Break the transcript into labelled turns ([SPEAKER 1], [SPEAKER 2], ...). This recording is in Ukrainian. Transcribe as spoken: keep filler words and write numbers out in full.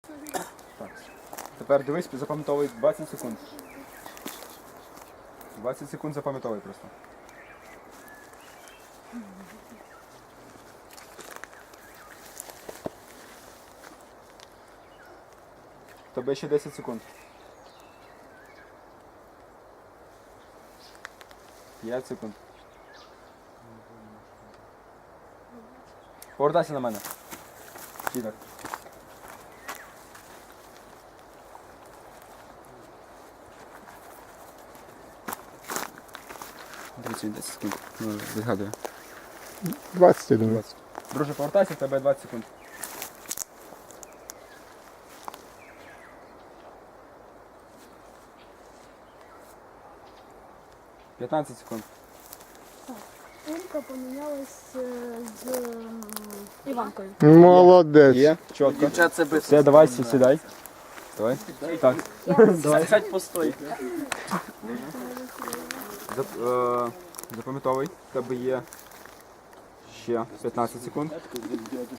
[SPEAKER 1] Так. Тепер дивись, запам'ятовуй двадцять секунд. двадцять секунд запам'ятовуй просто. Тобі ще десять секунд. п'ять секунд. Повертайся на мене. Чіток. тридцять десять секунд. Ну, відгадую.
[SPEAKER 2] двадцять, я думаю.
[SPEAKER 1] Друже, повертайся, в тебе двадцять секунд. п'ятнадцять секунд.
[SPEAKER 3] Олька помінялась е, з м, Іванкою.
[SPEAKER 2] Молодець.
[SPEAKER 1] Є, чітко.
[SPEAKER 4] Дівчат це без.
[SPEAKER 1] Все, давай, сі- сідай. Давай. Так. Давай.
[SPEAKER 4] Сядь постой.
[SPEAKER 1] Зап- е, Запам'ятовуй, в тебе є ще п'ятнадцять секунд.